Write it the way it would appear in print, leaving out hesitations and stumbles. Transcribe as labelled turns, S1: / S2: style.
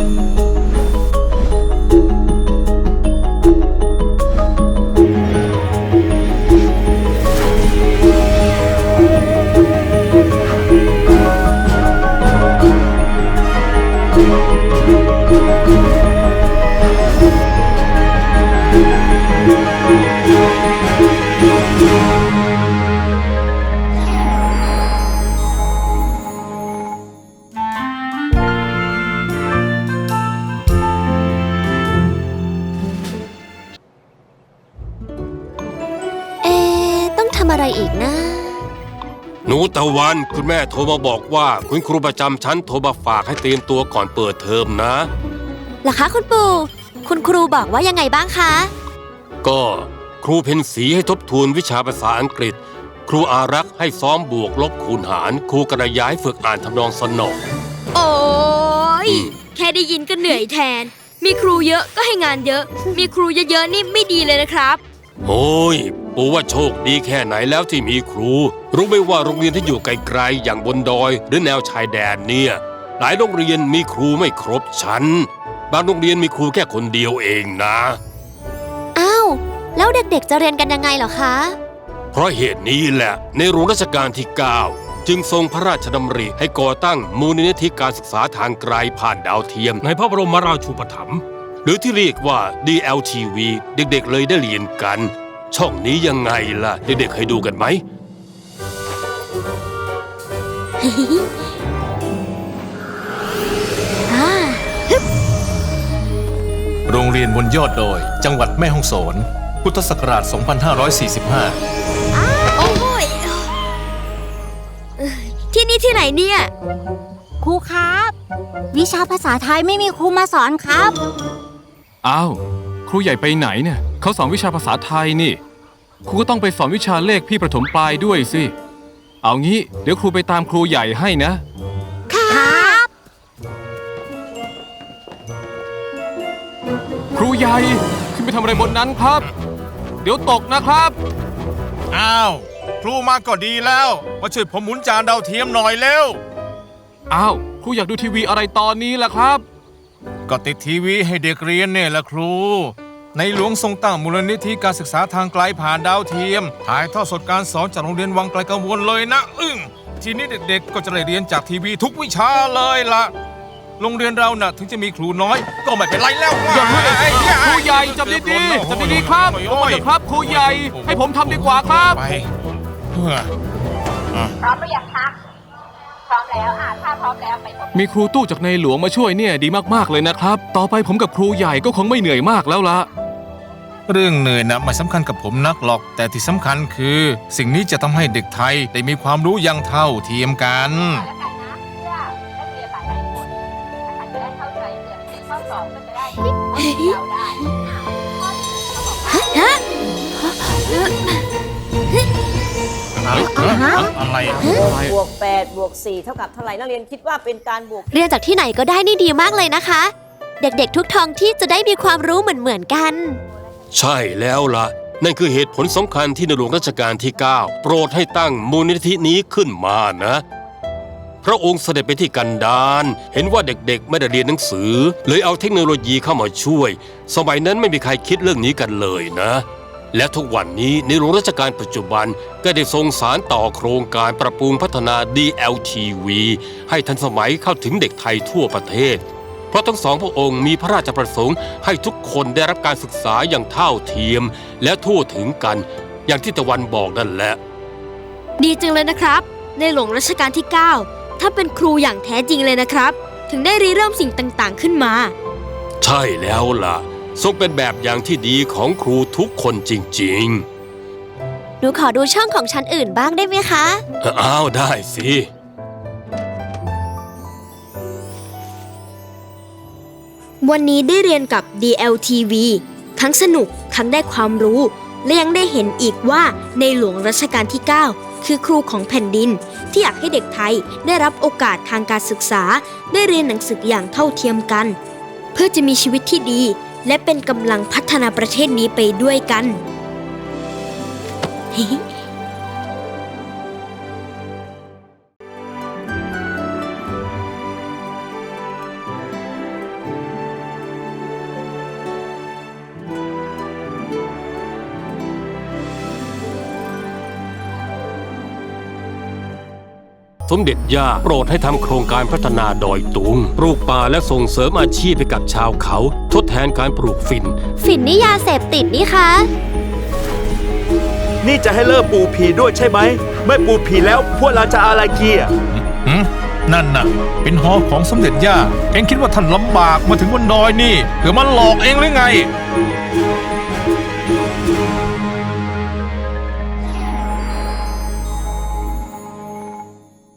S1: อะไรอีกนะ
S2: หนูตะวันคุณแม่โทรมาบอกว่าคุณครูประจำชั้นโทรมาฝากให้เตรียมตัวก่อนเปิดเทอมนะ
S1: เหรอคะคุณปู่คุณครูบอกว่ายังไงบ้างคะ
S2: ก็ครูเพ็ญศรีให้ทบทวนวิชาภาษาอังกฤษครูอารักษ์ให้ซ้อมบวกลบคูณหารครูกระย้ายฝึกอ่านทำนองสนอ
S3: โอ้ยแค่ได้ยินก็เหนื่อยแทนมีครูเยอะก็ให้งานเยอะมีครูเยอะๆนี่ไม่ดีเลยนะครับ
S2: โอ้ยปู่ว่าโชคดีแค่ไหนแล้วที่มีครูรู้ไหมว่าโรงเรียนที่อยู่ไกลๆอย่างบนดอยหรือแนวชายแดนเนี่ยหลายโรงเรียนมีครูไม่ครบชั้นบางโรงเรียนมีครูแค่คนเดียวเองนะ
S1: อ้าวแล้วเด็กๆจะเรียนกันยังไงเหรอคะ
S2: เพราะเหตุนี้แหละในหลวงรัชกาลที่ 9จึงทรงพระราชดำริให้ก่อตั้งมูลนิธิการศึกษาทางไกลผ่านดาวเทียมในพระบรมราชูปถัมภ์หรือที่เรียกว่า DLTV เด็กๆเลยได้เรียนกันช่องนี้ยังไงล่ะเด็กๆเคยดูกันไหม
S4: โรงเรียนบนยอดดอยจังหวัดแม่ฮ่องสอนพุทธศักราช 2545
S3: โอ้ยที่นี่ที่ไหนเนี่ย
S1: ครูครับวิชาภาษาไทยไม่มีครูมาสอนครับ
S5: อ้าวครูใหญ่ไปไหนเนี่ยเขาสอนวิชาภาษาไทยนี่ครูก็ต้องไปสอนวิชาเลขพี่ประถมปลายด้วยสิเอางี้เดี๋ยวครูไปตามครูใหญ่ให้นะครับครูใหญ่ขึ้นไปทำอะไรบนนั้นครับเดี๋ยวตกนะครับ
S4: อ้าวครูมาก็ดีแล้วมาช่วยผมหมุนจานดาวเทียมหน่อยเร็ว
S5: อ้าวครูอยากดูทีวีอะไรตอนนี้ล่ะครับ
S4: ก็ติดทีวีให้เด็กเรียนเนี่ยแหละครูในหลวงทรงตั้งมูลนิธิการศึกษาทางไกลผ่านดาวเทียมถ่ายทอดสดการสอนจากโรงเรียนวังไกลกังวลเลยนะทีนี้เด็กๆก็จะได้เรียนจากทีวีทุกวิชาเลยล่ะโรงเรียนเราน่ะถึงจะมีครูน้อยก็ไม่เป็นไรแล้ว
S5: อย่าเพิ่งครูใหญ่จับดีๆจับดีๆครับลงมาเถอะครับครูใหญ่ให้ผมทำดีกว่าครับ
S6: พร้อมหรือยังคะพร้อมแล้วถ้าพร้อมแล้วไป
S5: มีครูตู้จากในหลวงมาช่วยเนี่ยดีมากๆเลยนะครับต่อไปผมกับครูใหญ่ก็คงไม่เหนื่อยมากแล้วล่ะ
S4: เรื่องเหนื่อยนะไม่สำคัญกับผมนักหรอกแต่ที่สำคัญคือสิ่งนี้จะทำให้เด็กไทยได้มีความรู้อย่างเท่าเทียมกัน
S6: อะไรบวก8บวก4เท่ากับเท่าไหร่นักเรียนคิดว่าเป็นการบวก
S1: เรียนจากที่ไหนก็ได้นี่ดีมากเลยนะคะเด็กๆทุกท้องที่จะได้มีความรู้เหมือนกัน
S2: ใช่แล้วล่ะนั่นคือเหตุผลสำคัญที่ในหลวงรัชกาลที่ 9โปรดให้ตั้งมูลนิธินี้ขึ้นมานะพระองค์เสด็จไปที่กันดารเห็นว่าเด็กๆไม่ได้เรียนหนังสือเลยเอาเทคโนโลยีเข้ามาช่วยสมัยนั้นไม่มีใครคิดเรื่องนี้กันเลยนะและทุกวันนี้ในหลวงรัชกาลปัจจุบันก็ได้ทรงสานต่อโครงการปรับปรุงพัฒนา DLTV ให้ทันสมัยเข้าถึงเด็กไทยทั่วประเทศเพราะทั้งสองพระองค์มีพระราชประสงค์ให้ทุกคนได้รับการศึกษาอย่างเท่าเทียมและทั่วถึงกันอย่างที่ตะวันบอกนั่นแหละ
S3: ดีจังเลยนะครับในหลวงรัชกาลที่ 9ถ้าเป็นครูอย่างแท้จริงเลยนะครับถึงได้ริเริ่มสิ่งต่างๆขึ้นมา
S2: ใช่แล้วล่ะทรงเป็นแบบอย่างที่ดีของครูทุกคนจริง
S1: ๆหนูขอดูช่องของชั้นอื่นบ้างได้ไหมคะ
S2: อ้าวได้สิ
S3: วันนี้ได้เรียนกับ DLTV ทั้งสนุกทั้งได้ความรู้และยังได้เห็นอีกว่าในหลวงรัชกาลที่ 9คือครูของแผ่นดินที่อยากให้เด็กไทยได้รับโอกาสทางการศึกษาได้เรียนหนังสืออย่างเท่าเทียมกันเพื่อจะมีชีวิตที่ดีและเป็นกำลังพัฒนาประเทศนี้ไปด้วยกัน
S2: สมเด็จย่าโปรดให้ทำโครงการพัฒนาดอยตุงปลูกป่าและส่งเสริมอาชีพให้กับชาวเขาทดแทนการปลูกฝิ่น
S1: ฝิ่นนี่ยาเสพติดนี่คะ
S7: นี่จะให้เลิกปลูกผีด้วยใช่ไหม ไม่ปลูกผีแล้วพวกเราจะอะไรเกียร์
S4: นั่นน่ะ เป็นหอของสมเด็จย่าเอ็งคิดว่าท่านลำบากมาถึงบนดอยนี่เผื่อมันหลอกเองหรือไง